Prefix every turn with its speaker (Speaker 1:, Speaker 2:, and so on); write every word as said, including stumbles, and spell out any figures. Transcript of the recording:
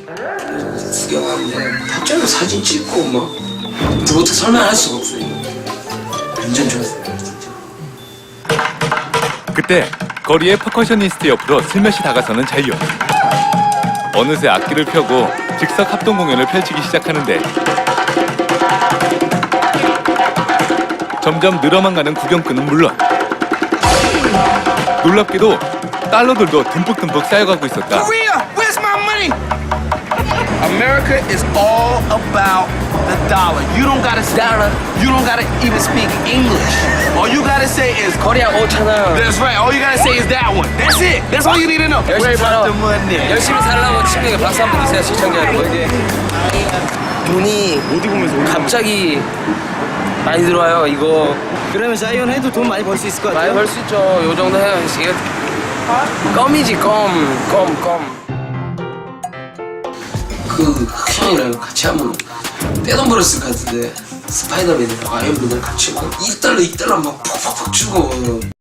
Speaker 1: 구경하는데 갑자기 사진 찍고 막 그것부터 설명할 수가 없어요. 완전 좋았어요 진짜.
Speaker 2: 그때 거리의 퍼커셔니스트 옆으로 슬며시 다가서는 자이언. 어느새 악기를 펴고 즉석 합동 공연을 펼치기 시작하는데 점점 늘어만 가는 구경꾼은 물론 놀랍게도 달러들도 듬뿍듬뿍 쌓여가고 있었다.
Speaker 3: Korea, where's my money? America is all about the dollar. You don't gotta dollar. You don't gotta even speak English. All you gotta say is
Speaker 4: 코리아 오천원.
Speaker 3: That's right. All you gotta say is that one. That's it. That's all you need to know.
Speaker 4: 열심히 살아.
Speaker 3: the money.
Speaker 4: 열심히 살라고 친구에게 박수 한번 주세요, 시청자 여러분. 돈이 어디 보면서 갑자기 많이 들어와요. 이거
Speaker 5: 그러면 자이언 해도 돈 많이 벌 수 있을 것
Speaker 4: 많이
Speaker 5: 같아요?
Speaker 4: 벌 수 있죠. 요 정도 해야 이게 껌이지 껌, 껌, 껌.
Speaker 1: 그 흑형이랑 같이 하면 떼돈 벌었을 것 같은데 스파이더맨이랑 아이언맨이랑 같이 막 일 달러 이 달러 막 팍팍팍 주고